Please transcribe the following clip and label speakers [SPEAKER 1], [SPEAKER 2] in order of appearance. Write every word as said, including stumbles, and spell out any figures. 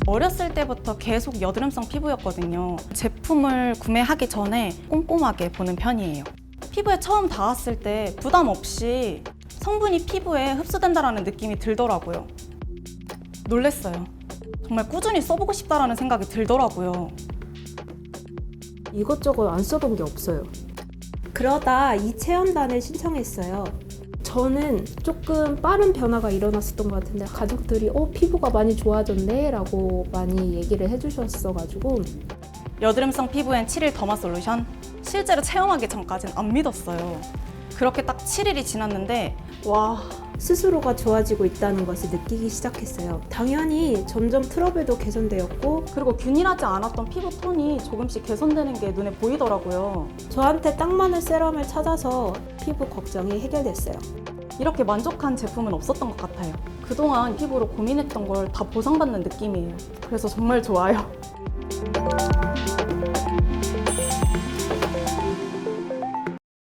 [SPEAKER 1] 어렸을 때부터 계속 여드름성 피부였거든요. 제품을 구매하기 전에 꼼꼼하게 보는 편이에요. 피부에 처음 닿았을 때 부담 없이 성분이 피부에 흡수된다는 느낌이 들더라고요. 놀랬어요. 정말 꾸준히 써보고 싶다라는 생각이 들더라고요.
[SPEAKER 2] 이것저것 안 써본 게 없어요. 그러다 이 체험단을 신청했어요. 저는 조금 빠른 변화가 일어났었던 것 같은데 가족들이 어 피부가 많이 좋아졌네 라고 많이 얘기를 해주셨어가지고
[SPEAKER 1] 여드름성 피부엔 칠 일 더마 솔루션? 실제로 체험하기 전까지는 안 믿었어요. 그렇게 딱 칠 일이 지났는데 와,
[SPEAKER 2] 스스로가 좋아지고 있다는 것을 느끼기 시작했어요. 당연히 점점 트러블도 개선되었고
[SPEAKER 1] 그리고 균일하지 않았던 피부 톤이 조금씩 개선되는 게 눈에 보이더라고요.
[SPEAKER 2] 저한테 딱 맞는 세럼을 찾아서 피부 걱정이 해결됐어요.
[SPEAKER 1] 이렇게 만족한 제품은 없었던 것 같아요. 그동안 피부로 고민했던 걸 다 보상받는 느낌이에요. 그래서 정말 좋아요.